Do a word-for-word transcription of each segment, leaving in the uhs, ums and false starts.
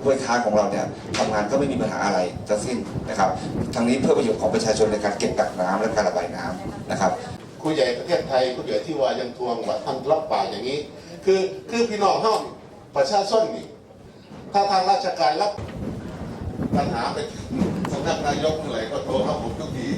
ห้วยค้าของเราเนี่ยทำงานก็ไม่มีปัญหาอะไรทั้งสิ้นนะครับทั้งนี้เพื่อประโยชน์ของประชาชนในการเก็บกักน้ำและการระบายน้ำนะครับคุยใหญ่ประเทศไทยคุยใหญ่ที่ว่ายังทวงว่าทางรับป่าอย่างนี้คือคือพี่น้องห้องประชาชนนี่ถ้าทางราชการรับปัญหาไปสำนักนายกเมื่อไหร่ก็โทรเข้าผมทุกที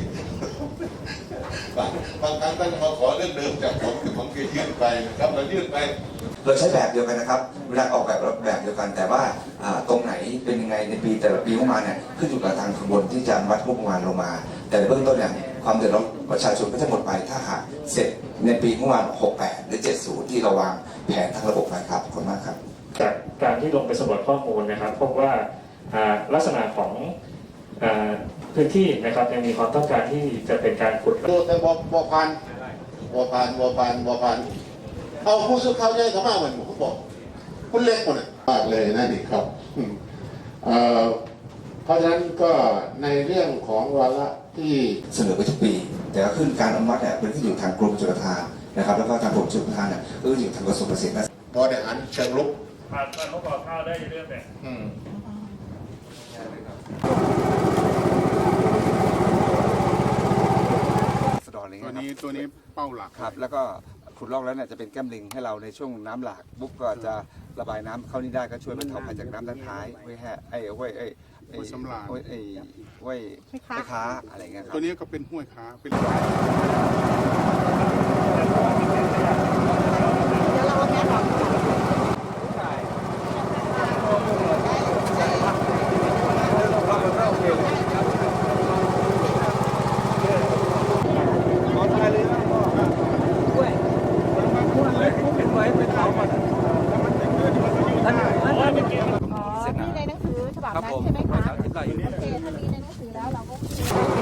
บางครั้งก็จะมาขอเรื่องเดิมจากผมคือผมเคยยื่นไปนะครับเรายื่นไปเราใช้แบบเดียวกันนะครับเวลาออกแบบแบบเดียวกันแต่ว่าตรงไหนเป็นยังไงในปีแต่ละปีงบประมาณเนี่ยขึ้นอยู่กับทางขบวนที่จะวัดงบประมาณลงมาแต่ในเบื้องต้นเนี่ยความเดือดร้อนประชาชนก็จะหมดไปถ้าหากเสร็จในปีงบประมาณหกสิบแปดหรือเจ็ดสิบที่เราวางแผนทั้งระบบไปครับขอบคุณมากครับจากการที่ลงไปสำรวจข้อมูลนะครับพบว่าลักษณะของพื้นที่นะครับยังมีความต้องการที่จะเป็นการขุดดูแต่บอบอพันบอพันบอพันบอพันเอาผู้สื่อข่าวใหญ่เข้ามาเหมือนผมบอกคุณเล็กหมดมากเลยนะนี่ครับเพราะฉะนั้นก็ในเรื่องของวาระที่เสนอไปทุกปีแต่ก็ขึ้นการอนุมัติเนี่ยเป็นที่อยู่ทางกรมชลประทานนะครับแล้วก็ทางกรมชลประทานเนี่ยก็อยู่ทางกระทรวงเกษตรและบริหารเชิงรุกผ่านการประกอบข้าวได้เรื่องแบบตัวนี้ตัวนี้เป้าหลักครับแล้วก็ขุดลอกแล้วเนี่ยจะเป็นแก้มลิงให้เราในช่วงน้ำหลากบุ๊กก็จะระบายน้ำเข้านี่ได้ก็ช่วยบรรเทาภัยจากน้ำด้านท้ายไว้แห่ไอ้ไว้ไอ้ไอ้ห้วยสำราญไว้ไอ้ไว้ไว้ค้าอะไรเงี้ยครับตัวนี้ก็เป็นห้วยค้าเป็นอ๋อมีในหนังสือฉบับนั้นใช่ไหมคะโอเคถ้ามีในหนังสือแล้วเราก็